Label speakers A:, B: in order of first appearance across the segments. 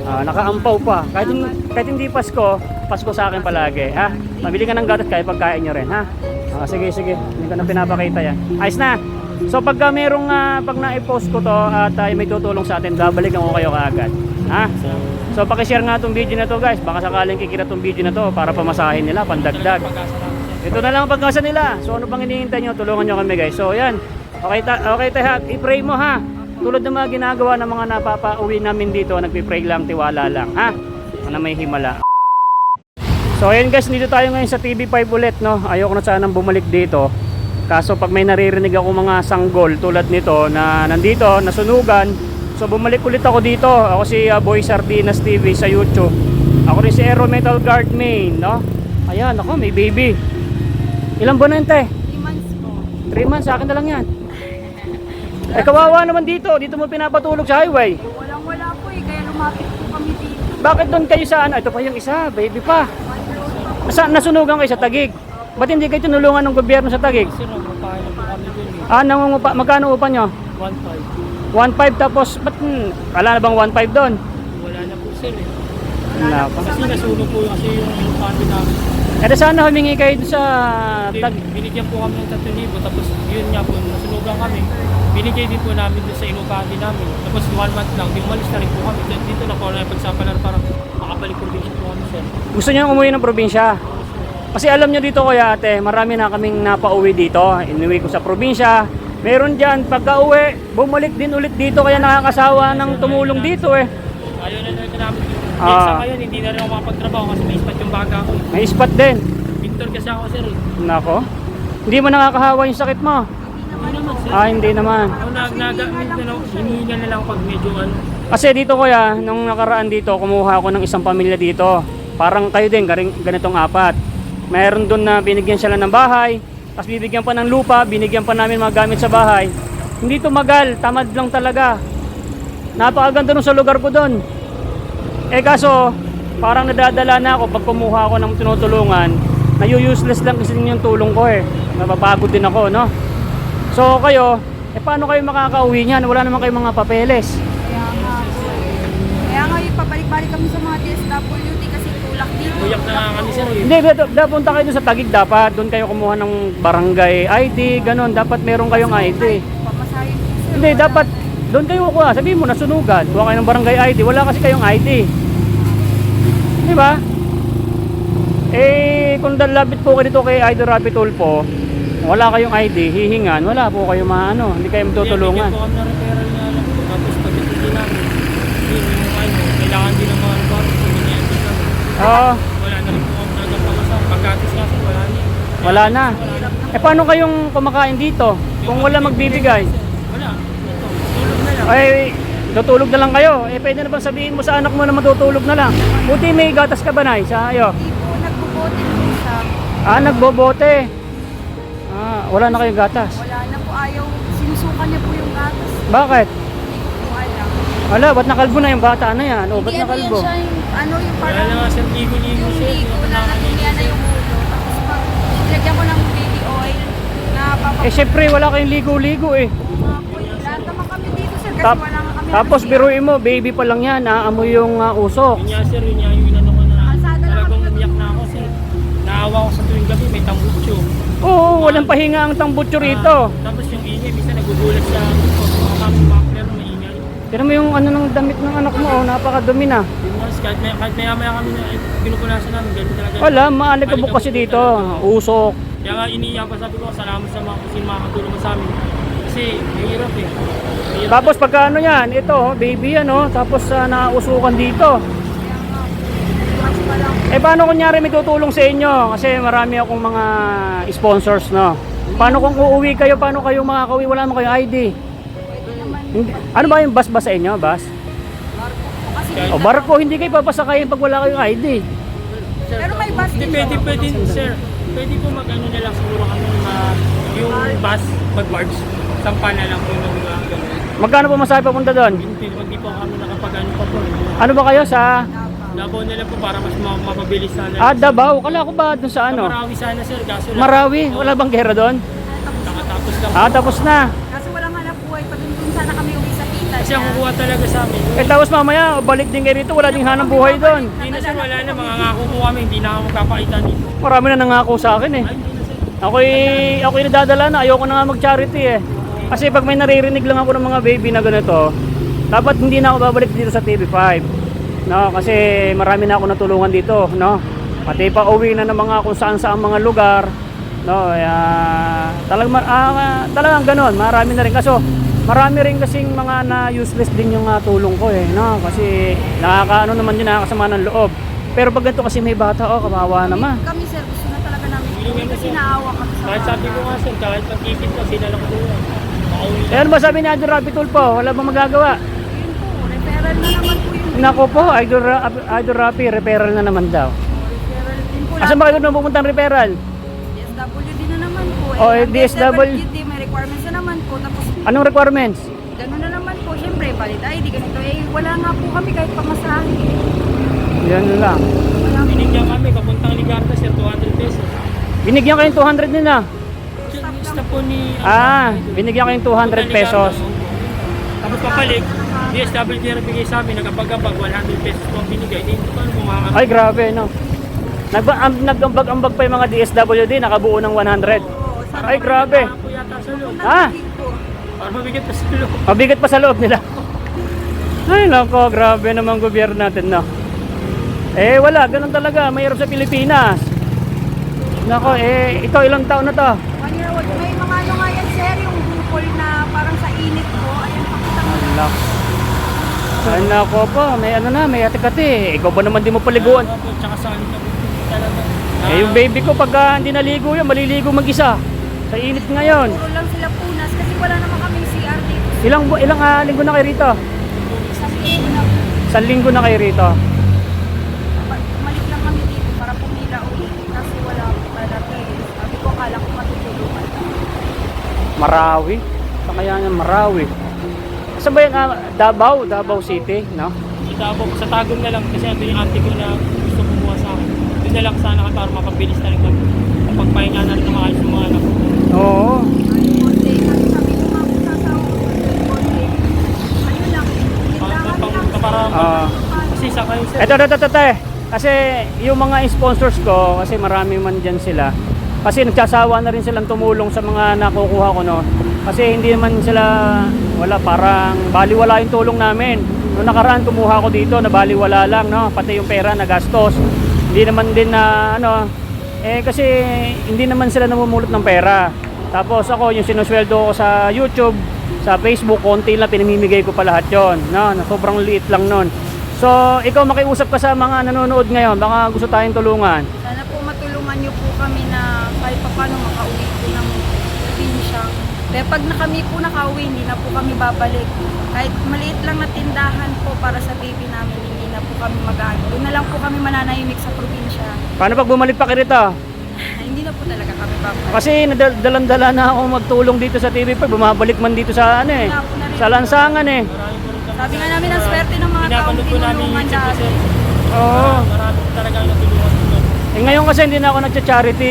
A: Nakaampaw pa. Kahit hindi Pasko, Pasko sa akin palagi, ha? Mabili ka ng gatas kahit pagkain nyo rin, ha? Sige, hindi ko na pinapakita yan. Ayos na. So pagka merong, pag na-post ko to at may tutulong sa atin, babalikan ko kayo kaagad, ha? So pakishare nga itong video na to, guys. Baka sakaling kikita itong video na to para pamasahin nila, pandagdag. Ito na lang ang pagkasa nila. So ano pang hinihintay nyo? Tulungan nyo kami, guys. So yan. Okay tayo, i-pray mo, ha? Tulad ng mga ginagawa ng mga napapauwi namin dito, nagpipray lang, tiwala lang, ha? Na may himala. So ayun, guys, dito tayo ngayon sa TV5 ulit, no? Ayoko na sanang bumalik dito. Kaso pag may naririnig ako mga sanggol tulad nito na nandito, nasunugan, so bumalik ulit ako dito. Ako si Boy Sardinas TV sa YouTube. Ako rin si Aero Metal Guard Main, no? Ayan, ako, may baby. Ilang buwan na yun, te?
B: 3 months po.
A: 3 months, sa akin na lang yan. Kawawa naman dito mo pinapatulog sa highway.
B: Walang-wala po kaya lumapit po kami dito.
A: Bakit doon kayo sa ano? Ito pa yung isa, baby pa. Nasunugan kayo sa Taguig. Ba't hindi kayo tinulungan ng gobyerno sa Taguig?
C: Sir, magpapahin na po kami dun eh.
A: Nangungupa, magkano upa nyo?
C: 1.5.
A: 1.5 tapos, ba't, wala na bang 1.5 doon?
C: Wala na po sir eh.
A: Wala pa.
C: Kasi nasunog po kasi yung kami namin.
A: Sana humingi kayo doon sa
C: Binigyan po kami ng 3,000 tapos yun nga po, nasunugan kami. Binigay din po namin doon sa inupati namin. Tapos 1 month lang, umalis na rin po kami. Dito na po na pagsapalan para makabalik probinsya po kami sir.
A: Gusto nyo umuwi ng probinsya? Kasi alam nyo dito, kuya ate, marami na kaming napauwi dito. Inuwi ko sa probinsya. Meron dyan, pagka uwi, bumalik din ulit dito. Kaya nakakasawa ng tumulong dito eh.
C: Ayaw na rin namin. Sa ngayon, hindi na rin ako makapagtrabaho kasi may ispat yung baga ko.
A: May spot din.
C: Victor kasi ako sir eh.
A: Nako. Hindi mo nakakahawa yung sakit mo?
C: Hindi naman sir.
A: Hindi naman.
C: Hinihinga na lang pag medyo ano.
A: Kasi dito, kuya, nung nakaraan dito, kumuha ako ng isang pamilya dito. Parang kayo din, ganitong 4. Mayroon doon na binigyan sila ng bahay, tapos bibigyan pa ng lupa, binigyan pa namin mga gamit sa bahay. Hindi tumagal, tamad lang talaga. Napakaganda nung sa lugar ko doon. Kaso, parang nadadala na ako pag kumuha ako ng tinutulungan. Useless lang kasi yung tulong ko eh. Napapagod din ako, no? So kayo, paano kayo makakauwi niyan? Wala naman kayong mga papeles.
B: Kaya nga pabalik-balik kami sa mga DSWD kasi tulak dito.
C: Uyak na nga kami sir eh.
A: Hindi, punta kayo doon sa Taguig dapat. Doon kayo kumuha ng barangay ID, ganun. Dapat meron kayong ID.
B: Pamasahin po sir.
A: Hindi, dapat doon kayo kuha. Sabihin mo, nasunugan. Kuha kayo ng barangay ID. Wala kasi kayong ID. Di ba? Kung dalabit po kayo dito kay Idol Rapi Tulfo, wala kayong ID, hihingan, wala po kayo maano, hindi kayo matutulungan.
C: Bigyan po kami ng referral nga lang. Tapos pagkatulong namin, kailangan din ng mga bago. Wala na rin po kami nagpapasang. Pagkatis nga sir, wala na.
A: Wala na. Paano kayong kumakain dito? Kung wala magbibigay?
C: Wala. Tulog na lang.
A: Tutulog na lang kayo. Pwede na bang sabihin mo sa anak mo na matutulog na lang? Buti may gatas ka ba, Nay? Sa iyo?
B: Nagbobote po sa...
A: Nagbobote. Wala na kayong gatas.
B: Wala na po, sinusukan niya po yung gatas.
A: Bakit?
B: Hindi ko po alam.
A: Wala, ba't nakalbo na yung bata na yan? Ba't
B: Hindi,
A: nakalbo?
B: yan siya yung
C: Wala
B: parang...
C: na nga sir, ligo-ligo
B: Yung
C: sir.
B: ligo na natulian na yung ulo. Tapos pag nilagyan ko ng baby oil na
A: Syempre, wala kayong ligo-ligo eh.
B: lahat naman kami dito sir kasi
A: Tap-
B: wala nga kami.
A: Tapos biruin mo, baby pa lang yan, naamoy yung usok.
C: Yun nga sir, yun nga yung inano ko na.
B: Kalsada lang
C: Talagang
B: kami.
C: umiyak na ako sir. Naawa ko sa tuwing gabi, may tambutso.
A: Oo, walang pahinga ang tambutso rito.
C: Tapos yung ingay, bisa nagugulat sa mga makler na maingay.
A: Tignan mo yung ano ng damit ng anak mo, napakadumi na.
C: Yun nga, kahit maya-maya kami na pinupunasan namin, ganun talaga.
A: Wala, maalikabok kasi dito, usok.
C: Kaya nga iniiyak pa, sabi ko, salamat sa mga kusin makakatulong mo sa amin. Kasi mahirap eh. Mahirap
A: Tapos pagka ano yan, ito, baby yan tapos nausukan dito. Paano kunyari may tutulong sa inyo? Kasi marami akong mga sponsors, no? Paano kung uuwi kayo, paano kayo makakauwi? Wala naman kayong ID. Ano ba yung bus ba sa inyo? Bus? O barko, hindi kayo papasakayin pag wala kayong ID.
B: Pero may bus
C: Hindi,
B: din.
C: pwede sir. Pwede po mag-ano na lang siguro kami yung bus, mag-barge. Sampa na lang po nung gano'n.
A: Magkano po masahe papunta doon?
C: Hindi po kami nakapag-ano pa po.
A: Ano ba kayo sa...
C: Davao nila po para mas mapabilis sana.
A: Davao? Kala ko ba doon sa ano?
C: Marawi sana sir, kaso lang.
A: Marawi? Wala bang gera doon?
C: Nakatapos lang.
A: Tapos na.
B: Kasi walang hanap buhay. Pag dun sana kami uwi sa Pitas.
C: Kasi ang kukuha talaga sa amin.
A: Eh tapos mamaya, balik din kayo rito, wala ding hanang buhay doon.
C: Hindi na sir, wala na. Mga ngako po kami, hindi na ako magkapakita dito.
A: Marami na nangako sa akin eh.
C: Ay, hindi na sir.
A: Ako'y nadadala na, ayoko na nga mag-charity eh. Kasi pag may naririnig lang ako ng mga baby na ganito, dapat hindi na ako babalik dito sa TV5. No, kasi marami na ako natulungan dito, no. Pati pa uwi na ng mga kung saan-saan mga lugar, no. Talagang ganoon, marami na rin kaso marami rin kasing mga na useless din yung tulong ko eh, no. Kasi nakakaano naman yun, nakakasama ng loob. Pero pag ganito kasi may bata, kawawa naman.
B: Kami sir, gusto na talaga namin tulungan kasi naawa kami sa
C: Kahit sabi ko nga sir, kahit pag-ikit ko, sila lang ko. Makauwi
A: Eh, ano ba sabi ni Idol Rapi Tulfo? Wala bang magagawa?
B: Yun po, referral na naman po yung
A: Nako po, Idol Rapi, referral na naman daw.
B: referral din po.
A: Asan ba kayo na pupunta ang referral?
B: DSWD na naman po.
A: Oh,
B: ang
A: DSWD
B: may requirements na naman po. Tapos
A: Anong requirements?
B: gano'n na naman po. Siyempre, valid ID, ganito. Eh, wala nga po kami kahit pamasahe.
A: Yan lang.
B: Wala po.
C: Binigyan kami, papuntang Ligarda sir, 200 pesos.
A: Binigyan kayong 200 nila.
C: Basta po ni...
A: Binigyan kayong 200 pesos.
C: Tapos papalik, DSWD na bigay sa amin, nagkapag-abag, 100 pesos po ang binigay. Eh, hindi ko alam kung makakabag.
A: Ay, grabe, no? Nag-ambag-ambag pa yung mga DSWD, nakabuo ng 100. Ay, grabe.
C: Po yata sa loob.
A: Ah,
C: Para mabigat pa sa loob.
A: mabigat pa sa loob nila. Ay, nako, grabe naman gobyerno natin, no? Eh, wala, ganun talaga. Mayroon sa Pilipinas. Nako, ito ilang taon na to?
B: 1 year old. May mga ano nga yan, sir, yung bukol na parang sa init po. Ayan, pakita mo.
A: Ay, nako po, may ano na, may ate-kati. Ikaw ba naman di mo paliguan?
C: Po, tsaka sa alit na po talaga.
A: Yung baby ko, pagka hindi naligo yan, maliligo mag-isa. Sa init ngayon.
B: Puro lang sila punas kasi wala naman kami CR dito.
A: Ilang linggo na kayo rito?
B: Isang linggo na.
A: 1 linggo na kayo rito.
B: Umalis lang kami dito para pumila ulit. Kasi wala akong malaki. Sabi ko, akala ko matutulungan.
A: Marawi. Sa kaya nga Marawi. Saan ba yan? Davao City, no?
C: Sa Tagum na lang kasi ando yung auntie ko na gusto kumuha sa akin. Doon na lang sana kami para mapabilis na rin kami. Pagpahinga na rin na maayos yung mga anak ko.
A: Oo.
B: Konti. Kasi sabi ko nga kung sasawa ko. Konti. Ano lang. Kailangan lang.
C: Para
A: Ah.
C: kasi sa kayo sir.
A: Ito. Kasi yung mga sponsors ko, kasi marami man dyan sila. Kasi nagsasawa na rin silang tumulong sa mga nakukuha ko, no? Kasi hindi naman sila, parang baliwala yung tulong namin. Noong nakaraan kumuha ko dito, na baliwala lang, no? Pati yung pera na gastos. Hindi naman din na, kasi hindi naman sila namumulot ng pera. Tapos ako, yung sinusweldo ko sa YouTube, sa Facebook, konti lang, pinamimigay ko pa lahat yun, no? Na sobrang liit lang nun. So, ikaw makiusap ka sa mga nanonood ngayon, baka gusto tayong tulungan.
B: Sana po matulungan niyo po kami na kahit pa paano makauwi po ng probinsya. Kaya pag kami po nakauwi, hindi na po kami babalik. Kahit maliit lang na tindahan po para sa baby namin, hindi na po kami mag-aano. Doon na lang po kami mananahimik sa probinsya.
A: Paano pag bumalik pa kayo rito?
B: Hindi na po talaga kami babalik.
A: Kasi dalan-dala na ako magtulong dito sa TV5, bumabalik man dito sa sa lansangan eh.
C: Marami po rin kami.
B: Sabi nga namin ang swerte ng mga taong
C: Pinapanood po namin yung
B: tinulungan
C: YouTube po
B: dati.
C: sir.
A: Oo.
C: Marami po talaga ang natulungan po doon.
A: Ngayon kasi hindi na ako nagcha-charity.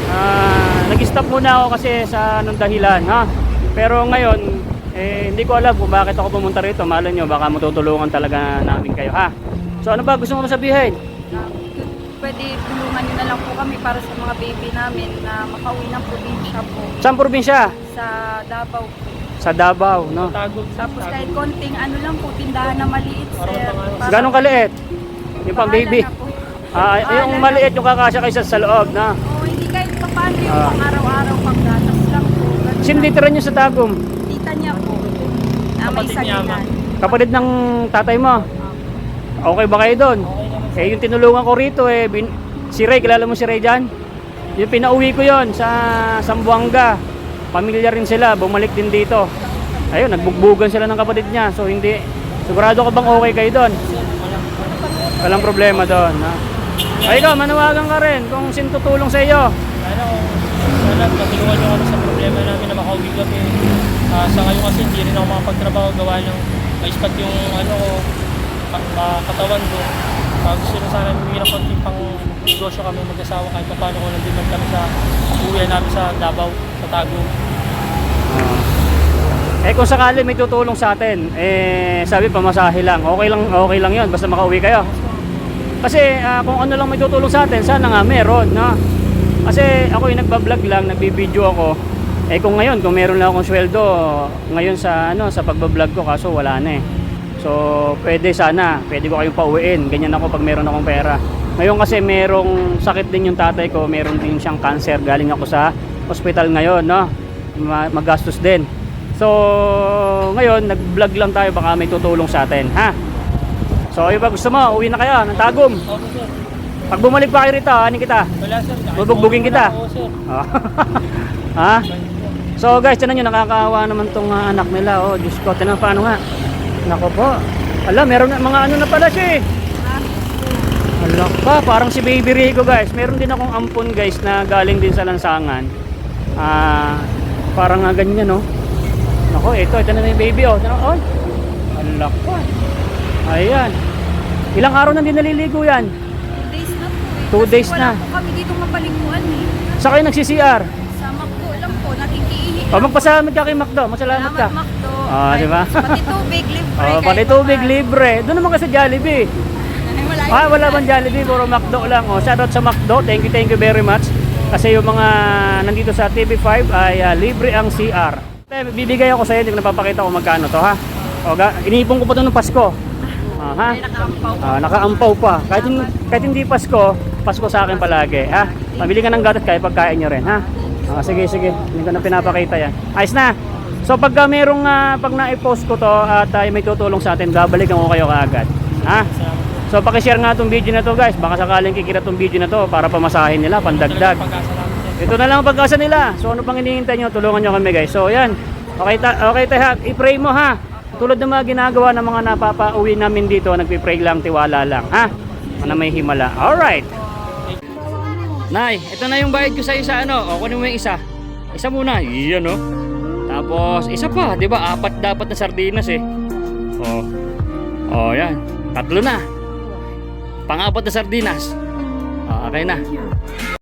A: Nag-stop muna ako kasi sa anong dahilan, ha? Pero ngayon, hindi ko alam kung bakit ako pumunta rito. Malay nyo, baka matutulungan talaga namin kayo, ha? So ano ba gusto mo sabihin?
B: Pwede tulungan nyo na lang po kami para sa mga baby namin na makauwi ng probinsya po.
A: Saan probinsya?
B: Sa Davao po.
A: Sa Davao, no?
C: Tagum.
B: Tapos kahit konting ano lang po, tindahan na maliit, sir. Para-
A: Ganong kaliit? Yung pang
B: Bahala
A: baby.
B: na po.
A: Yung
B: Bahala
A: maliit,
B: na.
A: yung kakasya kayo sa loob, na?
B: Oo, hindi kahit pa paano yung
A: Ah.
B: pang araw-araw pang gatas lang po. Ganun
A: Sino
B: lang.
A: tira nyo sa Tagum?
B: Tita niya po. Na may
C: Kapatid niya,
B: saginan.
A: Kapatid ng tatay mo? Okay ba kayo doon? Yung tinulungan ko rito, si Ray, kilala mo si Ray dyan? Yung pinauwi ko yon sa Zamboanga. Pamilya rin sila, bumalik din dito. Ayun, nagbugbugan sila ng kapatid niya. So hindi, sigurado ka bang okay kayo doon? Walang problema doon, ha? Ay, ikaw, manawagan ka rin kung sino tutulong sa iyo.
C: Sana matulungan nyo kami sa problema namin na makauwi kami. Sa ngayon kasi hindi rin ako makapagtrabaho gawa ng maispat yung katawan ko. Gusto rin sana may konting pang negosyo kami mag-asawa kahit paano kung nandun man kami sa uwi namin sa Davao, sa Tagum.
A: Eh kung sakali may tutulong sa atin, sabi pamasahe lang. Okay lang 'yon basta makauwi kayo. Kasi kung ano lang may tutulong sa atin, sana nga meron, no? Kasi ako yung nagba-vlog lang, nagbibideo ako. Eh kung ngayon, kung meron lang akong sweldo ngayon sa sa pagba-vlog ko, kaso wala na eh. So, pwede ko kayong pauwiin. Ganyan ako pag meron akong pera. Ngayon kasi merong sakit din yung tatay ko, meron din siyang cancer. Galing ako sa hospital ngayon, no? Magastos din. So, ngayon, nag-vlog lang tayo, baka may tutulong sa atin, ha? So, iba gusto mo, uwi na kayo ng Tagum.
C: Opo, sir.
A: Pag bumalik pa kayo rito, anin kita?
C: Wala, sir.
A: Bubugbugin kita?
C: Oo, sir.
A: Ha? So guys, tinan nyo, nakakaawa naman tong anak nila. Oh, Diyos ko, tinan paano nga. Nako po. Ala, meron na mga ano na pala siya eh. Ala pa, parang si Baby Rico guys. Meron din akong ampon guys na galing din sa lansangan. Parang nga ganyan no. Nako, ito na yung baby oh. Oh. Ala pa. Ayan. Ilang araw na din naliligo yan?
B: 2 days na po eh.
A: 2 days
B: Kasi
A: na.
B: wala po kami dito mapaliguan eh.
A: Sa kayo nag-CCR?
B: Sa McDo lang po, nakikiihi.
A: O magpasalamad ka kay Macdo, masalamat ka.
B: Salamat McDo.
A: Ah, di ba?
B: Pati tubig, libre.
A: Oh, pati tubig libre. Doon naman ka sa Jollibee. Wala bang Jollibee, puro McDo lang. Oh, shoutout sa McDo. Thank you very much. Kasi yung mga nandito sa TV5 ay libre ang CR. Bibigay ako sa iyo, hindi ko napapakita kung magkano to, ha? O, iniipon ko pa to ng Pasko. Ha? Nakaampaw pa. Kahit hindi Pasko, Pasko sa akin palagi, ha? Pabili ka ng gatas kaya pagkain nyo rin, ha? Sige. Hindi ko na pinapakita yan. Ayos na. So pagka merong pag na-post ko to at may tutulong sa atin, babalikan ko kayo kaagad. Ha? So paki-share nga tong video na to guys. Baka sakaling kikita tong video na to para pamasahin nila, pandagdag.
C: Pag-asa namin, sir.
A: Ito na lang ang pag-asa nila. So ano pang hinihintay nyo? Tulungan nyo kami guys. So yan. Okay tayo. I-pray mo ha. Tulad ng mga ginagawa ng mga napapauwi namin dito, nagpi-pray lang, tiwala lang. Ha? Na may himala. Alright. Nay, ito na yung bayad ko sa isa ano. O kunin mo yung isa. Isa muna. Iyan oh. Tapos isa pa, 'di ba? 4 dapat na sardinas eh. Oh, yan. 3 na. Pang-4 na sardinas. Okay na.